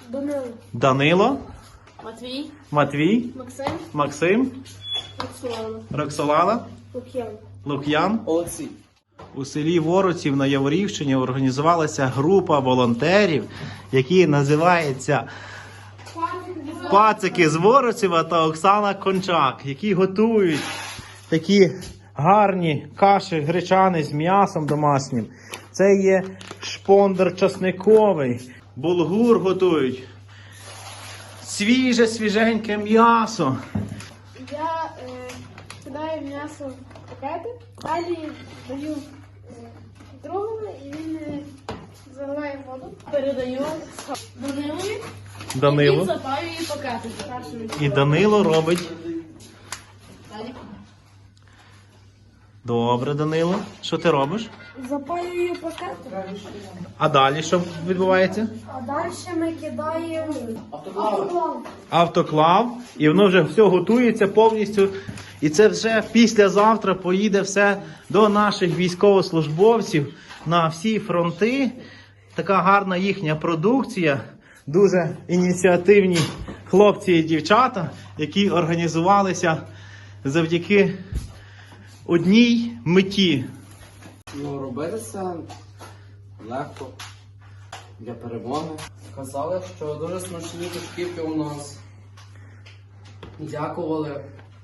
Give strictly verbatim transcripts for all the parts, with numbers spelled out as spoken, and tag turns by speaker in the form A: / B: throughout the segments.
A: Данило.
B: Данило.
A: Матвій.
B: Матвій.
A: Максим.
B: Максим.
A: Роксолана.
B: Роксолана.
A: Лук'ян.
B: Лук'ян.
C: Олексій.
B: У селі Воротів на Яворівщині організувалася група волонтерів, які називаються Пацики з Воротєва та Оксана Кончак, які готують такі гарні каші гречани з м'ясом домашнім. Це є шпондер часниковий, булгур готують, свіже, свіженьке м'ясо.
A: Я е, кидаю м'ясо в пакети, далі даю е, другому і він е, заливає воду. Передаю Данилові. Він
B: Данило.
A: запаює пакети. Першим.
B: І Данило робить.
A: Далі.
B: Добре, Данило. Що ти робиш?
A: Запаюю пакети.
B: А далі що відбувається?
A: А далі ми кидаємо автоклав.
B: Автоклав, і воно вже все готується повністю. І це вже післязавтра поїде все до наших військовослужбовців на всі фронти. Така гарна їхня продукція. Дуже ініціативні хлопці і дівчата, які організувалися завдяки одній меті.
C: Ну, робити це легко для перемоги. Казали, що дуже смачні тушківки у нас. Дякували.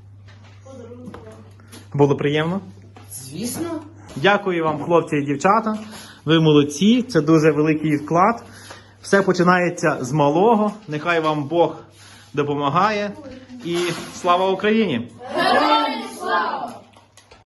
B: Було приємно?
C: Звісно.
B: Дякую вам, хлопці і дівчата. Ви молодці, це дуже великий вклад. Все починається з малого. Нехай вам Бог допомагає. І слава Україні!
A: Героям слава!